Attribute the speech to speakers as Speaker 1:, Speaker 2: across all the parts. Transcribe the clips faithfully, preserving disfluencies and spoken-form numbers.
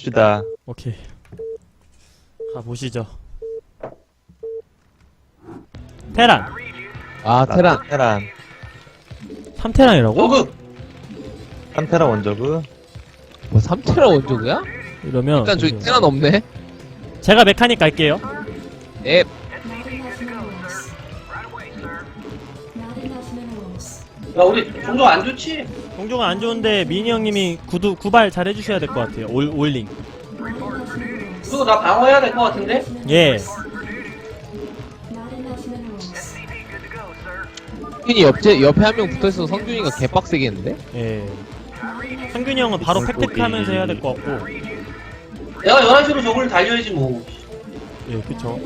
Speaker 1: 봅시다.
Speaker 2: 오케이. 가보시죠. 테란.
Speaker 3: 아 테란.
Speaker 1: 테란.
Speaker 2: 삼 테란이라고?
Speaker 4: 어그
Speaker 1: 삼 테란 원저그.
Speaker 3: 뭐 삼 테란 원조구야?
Speaker 2: 이러면
Speaker 3: 일단 저기
Speaker 2: 잠시만요.
Speaker 3: 테란 없네.
Speaker 2: 제가 메카닉 갈게요.
Speaker 3: 앱.
Speaker 4: 야 우리 종종 안 좋지?
Speaker 2: 종종은 안 좋은데 미니 형님이 구두 구발 잘 해주셔야 될 것 같아요. 올 올링.
Speaker 4: 그리고 나 방어해야 될 것 같은데?
Speaker 2: 예.
Speaker 3: 성균이 옆에 옆에 한 명 붙어있어서 성균이가 개빡세겠는데?
Speaker 2: 예. 성균이 형은 바로 팩트하면서 해야 될 것 같고.
Speaker 4: 내가 열한 시로 저걸 달려야지 뭐.
Speaker 2: 예, 그쵸.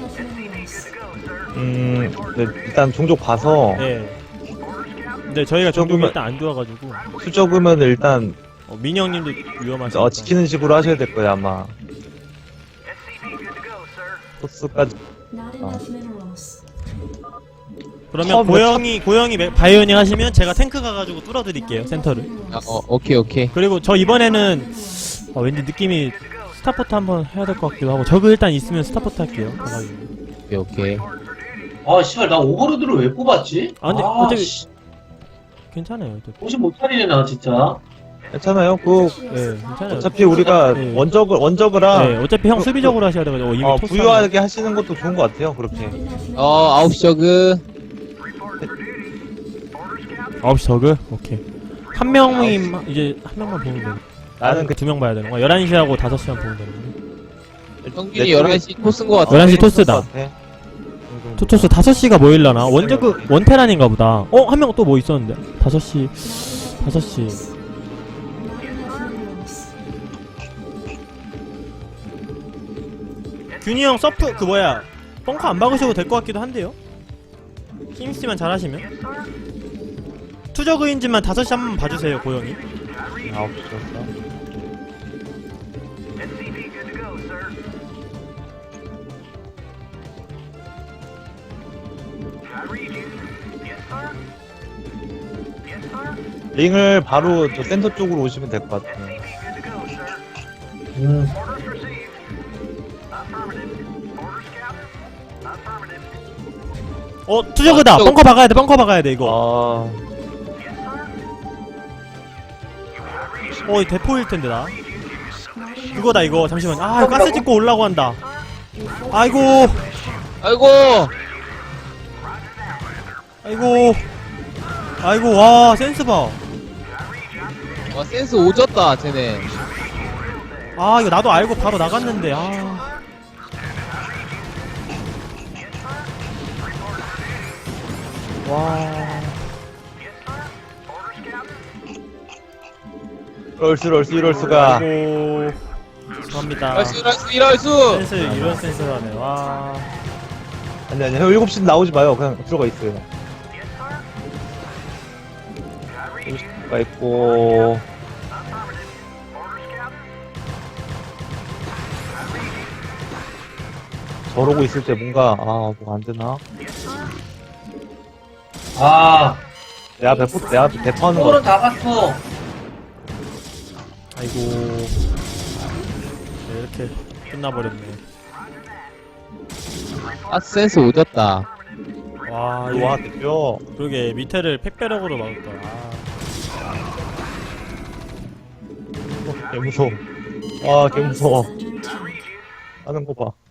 Speaker 1: 음, 네, 일단 종족 봐서
Speaker 2: 예. 근데 저희가 종종이
Speaker 1: 조금은-
Speaker 2: 일단 안 좋아가지고
Speaker 1: 수적으면 일단
Speaker 2: 어, 미니 형님도 위험하시니까.
Speaker 1: 어, 지키는 식으로 하셔야 될 거예요 아마. 토스까지.
Speaker 2: 그러면
Speaker 1: 처음에
Speaker 2: 고영이 고영이 메- 바이오닝 하시면 제가 탱크 가가지고 뚫어드릴게요 센터를.
Speaker 3: 아, 어 오케이 오케이.
Speaker 2: 그리고 저 이번에는 어, 왠지 느낌이 스타포트 한번 해야 될 것 같기도 하고 저그 일단 있으면 스타포트 할게요. 가가지고.
Speaker 3: 오케이 오케이.
Speaker 4: 아 씨발 나 오버로드를 왜 뽑았지?
Speaker 2: 아, 근데
Speaker 4: 아
Speaker 2: 어차피-
Speaker 4: 씨,
Speaker 2: 괜찮아요. 어차피.
Speaker 4: 정신 못 차리네 나 진짜.
Speaker 1: 괜찮아요. 그
Speaker 2: 예, 괜찮아요.
Speaker 1: 어차피 우리가
Speaker 2: 네.
Speaker 1: 원적을 원적이라
Speaker 2: 네, 어차피 형
Speaker 1: 그-
Speaker 2: 수비적으로 하셔야 돼가지고 어, 이미
Speaker 1: 어,
Speaker 2: 토스
Speaker 1: 부유하게 하시는 것도 좋은 것 같아요. 그렇게.
Speaker 3: 어 아홉 시 저그.
Speaker 2: 아홉 시 저그? 오케이. 한 명이 이제 한 명만 보면 되는
Speaker 1: 나는 그
Speaker 2: 두명 봐야 되는 거야. 열한 시하고 다섯 시만 보면 되는 거야.
Speaker 3: 성균이
Speaker 1: 내
Speaker 3: 열한 시 토스인 것 같아.
Speaker 2: 열한 시 토스다.
Speaker 1: 같아.
Speaker 2: 토토스 다섯 시가 뭐 일라나? 원저그 원테란인가 보다. 어? 한 명 또 뭐 있었는데? 다섯 시 다섯 시 균이 형 서프 그 뭐야 벙커 안 박으셔도 될 것 같기도 한데요? 힘쓰만 잘하시면 투저그인지만 다섯 시 한번 봐주세요 고영이.
Speaker 1: 아홉 시였어. 링을 바로 저 센터 쪽으로 오시면 될 것 같아요.
Speaker 4: 음.
Speaker 2: 어 투저그다.
Speaker 3: 아, 투저그.
Speaker 2: 벙커 박아야 돼. 벙커 박아야 돼 이거.
Speaker 1: 아,
Speaker 2: 어 대포일 텐데 나. 그거다 이거. 잠시만. 아 이거 가스 찍고 올라고 한다. 아이고.
Speaker 3: 아이고.
Speaker 2: 아이고. 아이고 와 센스 봐.
Speaker 3: 와 센스 오졌다 쟤네.
Speaker 2: 아 이거 나도 알고 바로 나갔는데 아. 와.
Speaker 1: 이럴 수, 이럴 수, 이럴 수가.
Speaker 2: 아이고. 죄송합니다.
Speaker 3: 이럴수 이럴수 이럴수.
Speaker 2: 센스 이런 센스로 하네. 와.
Speaker 1: 아니, 아니, 형 일곱 시 나오지 마요. 그냥 들어가 있어요. 일곱 시가 있고. 저러고 있을 때 뭔가, 아, 뭐 안 되나?
Speaker 4: 아
Speaker 1: 내 앞에, 포- 내 앞에 대파하는 거.
Speaker 4: 오버로드 다 봤어.
Speaker 2: 아이고. 네, 이렇게 끝나버렸네.
Speaker 3: 아 센스 오졌다.
Speaker 2: 와,
Speaker 1: 와,
Speaker 2: 이거
Speaker 1: 대표.
Speaker 2: 그러게 밑에를 팩배럭으로 막을 거야. 아.
Speaker 1: 개 무서워. 아, 개 무서워. 하는 거 봐.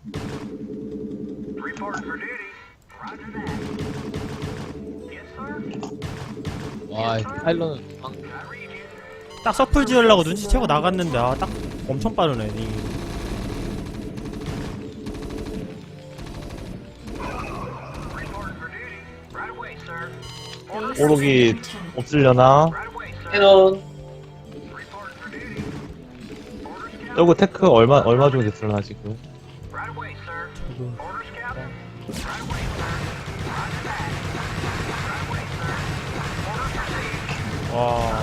Speaker 3: 와 파일런은 방...
Speaker 2: 딱 서플 지으려고 눈치채고 나갔는데 아 딱 엄청 빠르네. 이.
Speaker 1: 오록이 없으려나?
Speaker 4: 캐논.
Speaker 1: 저거 테크 얼마, 얼마 정도 됐으려나, 지금?
Speaker 2: 저거. 와, 와, 와.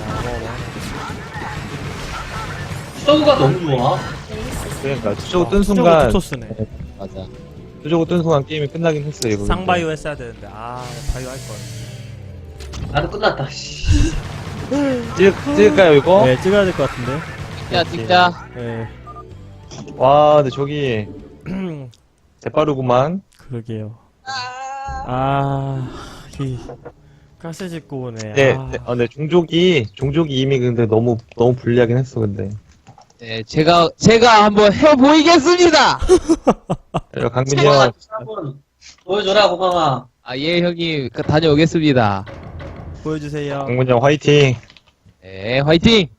Speaker 4: 서브가 너무 좋아.
Speaker 1: 그러니까, 수저고 뜬
Speaker 2: 아,
Speaker 1: 순간,
Speaker 2: 투토스네.
Speaker 3: 맞아.
Speaker 1: 수저고 뜬 순간 게임이 끝나긴 했어요, 이거.
Speaker 2: 상바이오 했어야 되는데 아 바이오 할 걸.
Speaker 4: 나도 끝났다. 씨.
Speaker 1: 찍, 찍을까요, 이거?
Speaker 2: 네 찍어야 될 것 같은데.
Speaker 3: 찍자 찍자.
Speaker 2: 네.
Speaker 1: 와, 근데 저기 대빠르구만.
Speaker 2: 그러게요. 아, 이 가스 짓고 오네.
Speaker 1: 네,
Speaker 2: 아,
Speaker 1: 네, 어, 네, 종족이 종족이 이미 근데 너무 너무 불리하긴 했어 근데.
Speaker 3: 네, 제가, 제가 한번 해보이겠습니다!
Speaker 1: 야, 강민이
Speaker 4: 고마워,
Speaker 1: 형,
Speaker 4: 한번 보여줘라, 고마워.
Speaker 3: 아, 예, 형님, 그, 다녀오겠습니다.
Speaker 2: 보여주세요.
Speaker 1: 강민이 형 화이팅.
Speaker 3: 네, 화이팅!